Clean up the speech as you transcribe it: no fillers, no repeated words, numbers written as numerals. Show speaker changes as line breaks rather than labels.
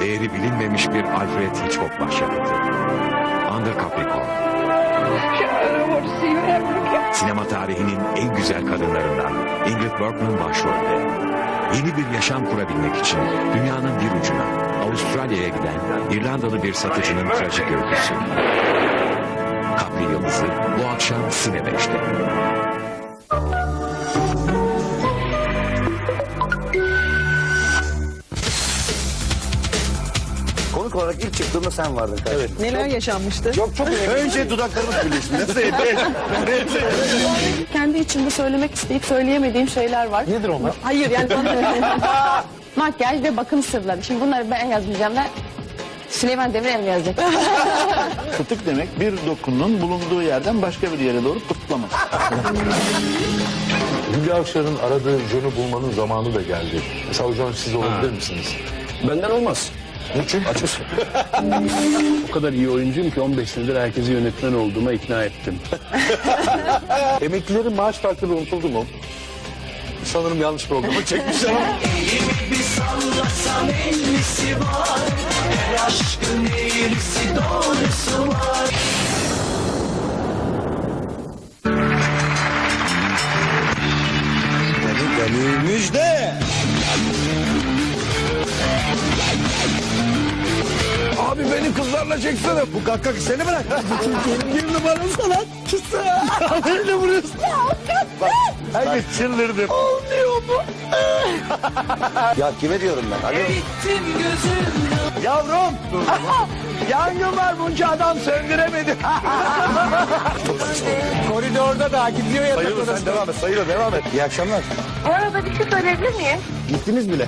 değeri bilinmemiş bir Alfred Hitchcock başyapıtı. Under Capricorn. Sinema tarihinin en güzel kadınlarından Ingrid Bergman başrolde. Yeni bir yaşam kurabilmek için dünyanın bir ucuna Avustralya'ya giden İrlandalı bir satıcının trajik öyküsü. Capri Yıldızı bu akşam Cine 5'te.
Konuk olarak ilk çıktığında sen vardın kardeşim. Evet.
Neler yaşanmıştı?
Çok önce dudaklarımız birleşti. Nasıl
Kendi içimde söylemek isteyip söyleyemediğim şeyler var.
Nedir onlar?
Hayır yani makyaj ve bakım sırları. Şimdi bunları ben yazmayacağım da Süleyman Demirel mi yazacak?
Fıtık demek bir dokunun bulunduğu yerden başka bir yere doğru pıtlamak.
Hülya Avşar'ın aradığı John'u bulmanın zamanı da geldi. Mesela o John siz olabilir misiniz?
Benden olmaz.
Niçin?
Açız. O kadar iyi oyuncuyum ki 15 senedir herkesi yönetmen olduğuma ikna ettim.
Emeklilerin maaş farkları unutuldu mu? Sanırım yanlış programı çekmişler ama.
Bir sallasam ellisi var. Her aşkın eğrisi doğrusu var.
Müjde!
Abi beni kızlarla çeksene.
Bu kakak seni bırak.
Bir numara sanatçısı. Beni vuruyorsun. Bak, herkes çıldırdı. Olmuyor mu?
Ya kime diyorum ben? Alo.
Bittim gözümden.
Yavrum. Yangın var, bunca adam söndüremedi. Koridorda da gidiyor ya.
Sayılır sen devam et. Sayılır devam et. İyi akşamlar.
Bu arada bir şey söyleyebilir miyim?
Gittiniz bile.